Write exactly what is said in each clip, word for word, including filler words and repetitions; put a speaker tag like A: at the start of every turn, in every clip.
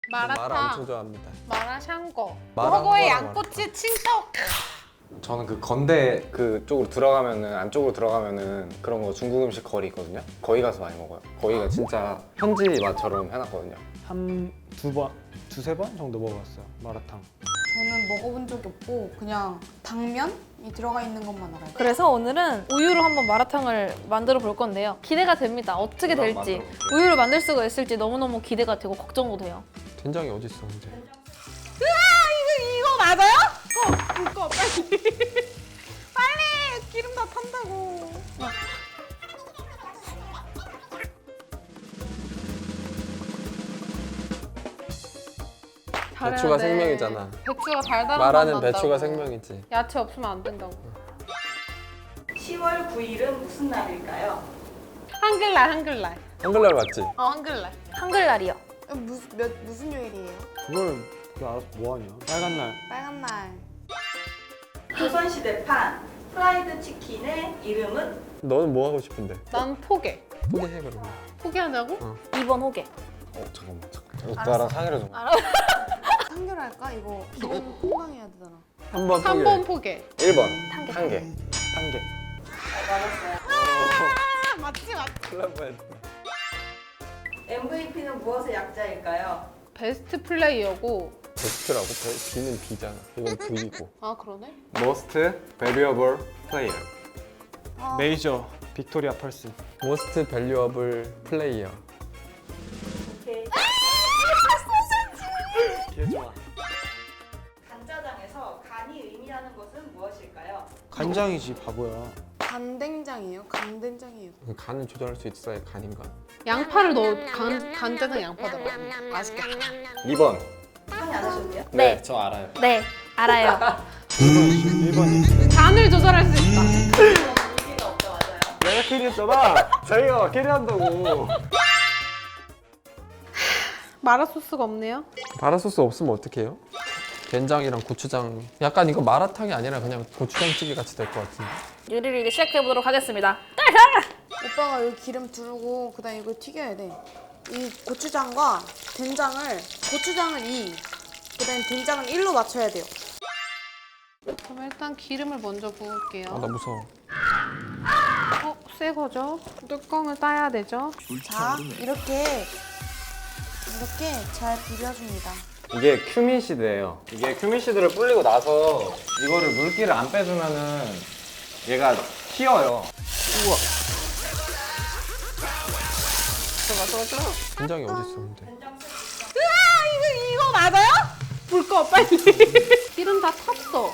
A: 마라탕,
B: 마라 엄청 좋아합니다.
A: 마라샹궈,
B: 마라
A: 허거의
B: 마라
A: 양꼬치 칭떡.
C: 저는 그 건대 그쪽으로 들어가면은 안쪽으로 들어가면은 그런 거 중국 음식 거리 있거든요. 거기 가서 많이 먹어요. 거기가 진짜 현지 맛처럼 해놨거든요.
D: 한 두 번, 두세 번 정도 먹어봤어요. 마라탕.
E: 저는 먹어본 적이 없고 그냥 당면이 들어가 있는 것만 알아요.
F: 그래서 오늘은 우유로 한번 마라탕을 만들어 볼 건데요. 기대가 됩니다. 어떻게
C: 한번
F: 될지.
C: 만들어볼게요.
F: 우유를 만들 수가 있을지 너무너무 기대가 되고 걱정도 돼요.
B: 된장이 어디 있어 근데?
A: 이거 맞아요? 꺼, 불 꺼, 빨리. 빨리, 기름 다 탄다고.
B: 배추가
A: 잘해야 돼.
B: 생명이잖아.
A: 배추가 달달한
B: 마라는
A: 맛
B: 배추가
A: 난다고.
B: 생명이지.
A: 야채 없으면 안 된다고.
G: 시월 구일은 무슨 날일까요?
A: 한글날, 한글날.
B: 한글날 맞지?
A: 어, 한글날.
F: 한글날이요.
E: 무슨 몇 무슨 요일이에요?
D: 그걸 그 알아서 뭐하냐? 빨간 날.
E: 빨간 날.
G: 조선시대판 프라이드 치킨의 이름은?
B: 너는 뭐 하고 싶은데?
A: 난 포개.
B: 포기해 그러면.
A: 포기하냐고?
B: 어.
F: 이 번 호게.
C: 어 잠깐만 잠깐. 오빠랑 상의를 좀.
E: 판결할까? 이거 이건 건강해야 되잖아.
B: 한번
A: 삼 번 포개.
C: 일 번
F: 개.
C: 한 개.
D: 한 개.
G: 맞았어요.
A: 아, 맞지, 맞지.
B: 큰일 날 뻔했다.
G: 엠브이피는 무엇의 약자일까요?
A: 베스트 플레이어고.
B: 베스트라고? 베, B는 B잖아. 이건 V고.
A: 아, 그러네?
C: Most valuable player.
D: 메이저 빅토리아 펄슨.
B: Most valuable player.
G: 오케이.
D: 개 좋아.
G: 간짜장에서 간이 의미하는 것은 무엇일까요?
D: 간장이지 바보야.
E: 간된장이에요? 간된장이에요.
B: 간을 조절할 수 있어야 간인가?
A: 양파를 넣어. 간, 간짜장 양파 넣어. 맛있겠다.
C: 이 번.
G: 상의 안 하셨네요?
F: 네.
C: 저 알아요.
F: 네, 알아요.
D: 일 번이.
A: 간을 조절할 수 있다.
G: 의미가 없다 맞아요.
C: 내가 캐리했잖아. 자기가 캐리한다고.
A: 마라 소스가 없네요.
B: 마라 소스 없으면 어떡해요? 된장이랑 고추장. 약간 이거 마라탕이 아니라 그냥 고추장찌개 같이 될 것 같은데.
F: 요리를 이제 시작해 보도록 하겠습니다.
E: 오빠가 여기 기름 두르고 그다음 이걸 튀겨야 돼. 이 고추장과 된장을 고추장을 이, 그다음 된장을 일로 맞춰야 돼요.
A: 그럼 일단 기름을 먼저 부을게요.
B: 아, 나 무서워.
A: 어, 새 거죠? 뚜껑을 따야 되죠?
E: 자, 이렇게 이렇게 잘 비벼줍니다.
C: 이게 큐민시드예요. 이게 큐민시드를 불리고 나서 이거를 물기를 안 빼주면은 얘가 튀어요.
B: 된장이 어디 있어 근데?
A: 이거, 이거 맞아요? 불 꺼, 빨리. 기름 다 탔어.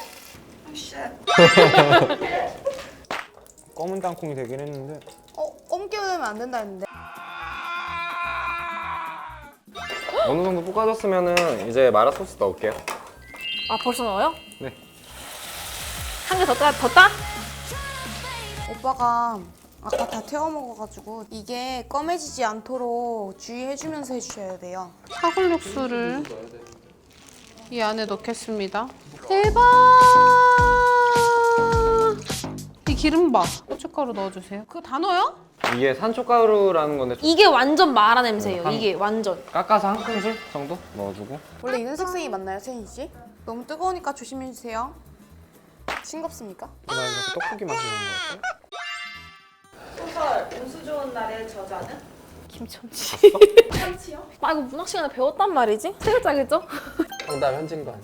D: 검은 땅콩이 되긴 했는데
E: 어, 옮겨내면 안 된다 했는데.
C: 어느 정도 볶아졌으면은 이제 마라 소스 넣을게요.
F: 아, 벌써 넣어요?
C: 네.
F: 한 개 더 따, 더 따?
E: 오빠가 아까 다 태워 먹어가지고 이게 검해지지 않도록 주의해주면서 해주셔야 돼요.
A: 사골 육수를 이 안에 넣겠습니다. 대박! 이 기름 봐. 고춧가루 넣어주세요. 그거 다 넣어요?
C: 이게 산초가루라는 건데
F: 이게 완전 마라 냄새예요.
C: 한-
F: 이게 완전.
C: 깎아서 한 큰술 정도 넣어주고.
E: 원래 이런 색상이 맞나요, 세인 씨? 너무 뜨거우니까 조심해주세요. 싱겁습니까?
D: 나 이거 떡볶이 맛이 나는 것 같아.
G: 소설 운수 좋은 날의 저자는?
F: 김천지.
G: 참치요?
F: 아, 이거 문학 시간에 배웠단 말이지? 세 글자겠죠?
B: 정답 현진관.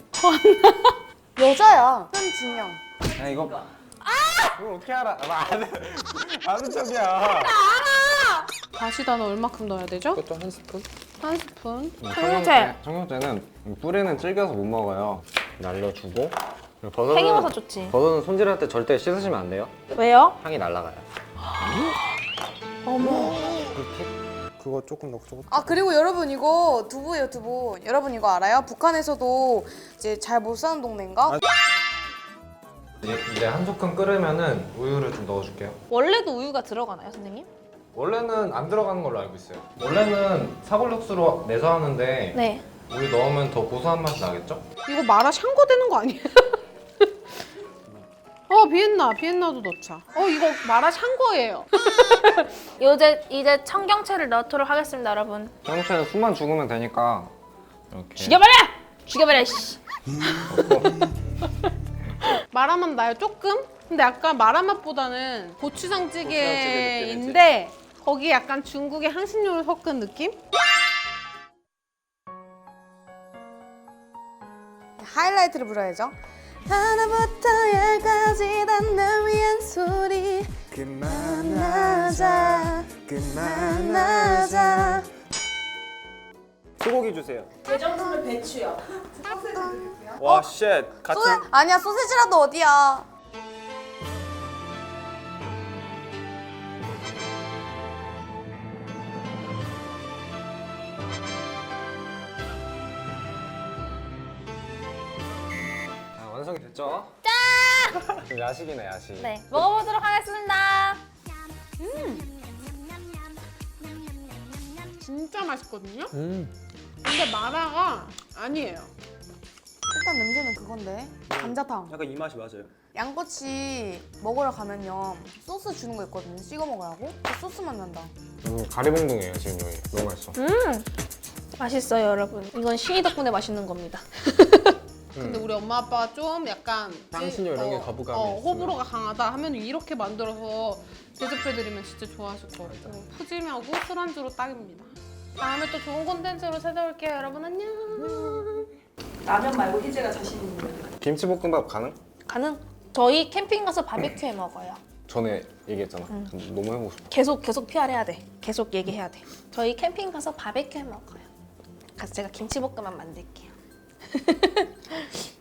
E: 여자야. 현진영.
C: 야 이거 이걸 어떻게 알아? 나 아는 아는 척이야.
A: 다시다는 얼마큼 넣어야 되죠?
B: 그것도 한 스푼?
A: 한 스푼.
F: 청경채.
C: 청경채는 뿌리는 질겨서 못 먹어요. 날려주고. 그리고 버섯은
F: 팽이버섯 좋지.
C: 버섯은 손질할 때 절대 씻으시면 안 돼요.
F: 왜요?
C: 향이 날아가요.
F: 어머.
D: 그거 조금 넣고 저거.
E: 아 그리고 여러분 이거 두부예요 두부. 여러분 이거 알아요? 북한에서도 이제 잘 못 사는 동네인가?
D: 아,
C: 이제, 이제 한 소끔 끓으면은 우유를 좀 넣어줄게요.
F: 원래도 우유가 들어가나요, 선생님?
C: 원래는 안 들어가는 걸로 알고 있어요. 원래는 사골육수로 내서 하는데
F: 네.
C: 우유 넣으면 더 고소한 맛이 나겠죠?
A: 이거 마라 샹궈 되는 거 아니에요? 어, 비엔나. 비엔나도 넣자. 어, 이거 마라 샹궈예요.
F: 이제 이제 청경채를 넣도록 하겠습니다, 여러분.
C: 청경채는 숨만 죽으면 되니까 이렇게.
F: 죽여버려! 죽여버려, 씨.
A: 마라맛 나요 조금? 근데 약간 마라맛보다는 고추장찌개인데 거기에 약간 중국의 향신료를 섞은 느낌?
E: 하이라이트를 불러야죠. 하나부터 열까지 다 널 위한 소리. 그만하자. 그만하자.
D: 소고기 주세요.
G: 이 정도면 배추요.
D: 와, 쉣. 같은
E: 소세 아니야 소세지라도 어디야?
C: 아, 완성이 됐죠? 짠! 야식이네 야식.
F: 네, 먹어보도록 하겠습니다.
A: 진짜 맛있거든요?
B: 음.
A: 근데 마라가 아니에요.
E: 일단 냄새는 그건데 감자탕.
D: 약간 이 맛이 맞아요.
E: 양꼬치 먹으러 가면요 소스 주는 거 있거든요. 찍어 먹으라고. 그 소스만 난다.
C: 음, 가리봉둥이에요 지금 여기. 너무 맛있어.
F: 음, 맛있어요, 여러분. 이건 신이 덕분에 맛있는 겁니다.
A: 근데 우리 엄마 아빠가 좀 약간
B: 향신료 이런 게 거부감이
A: 어,
B: 있으면.
A: 호불호가 강하다 하면 이렇게 만들어서 대접해드리면 진짜 좋아하실 것 같고 푸짐하고 술안주로 딱입니다. 다음에 또 좋은 콘텐츠로 찾아올게요. 여러분 안녕.
G: 라면 말고 희재가 자신 있는.
C: 김치볶음밥 가능?
F: 가능? 저희 캠핑 가서 바베큐 해 먹어요.
C: 전에 얘기했잖아. 너무 해보고 싶어.
F: 계속 계속 피알해야 돼. 계속 얘기해야 돼. 저희 캠핑 가서 바베큐 해 먹어요. 가서 제가 김치볶음밥 만들게요.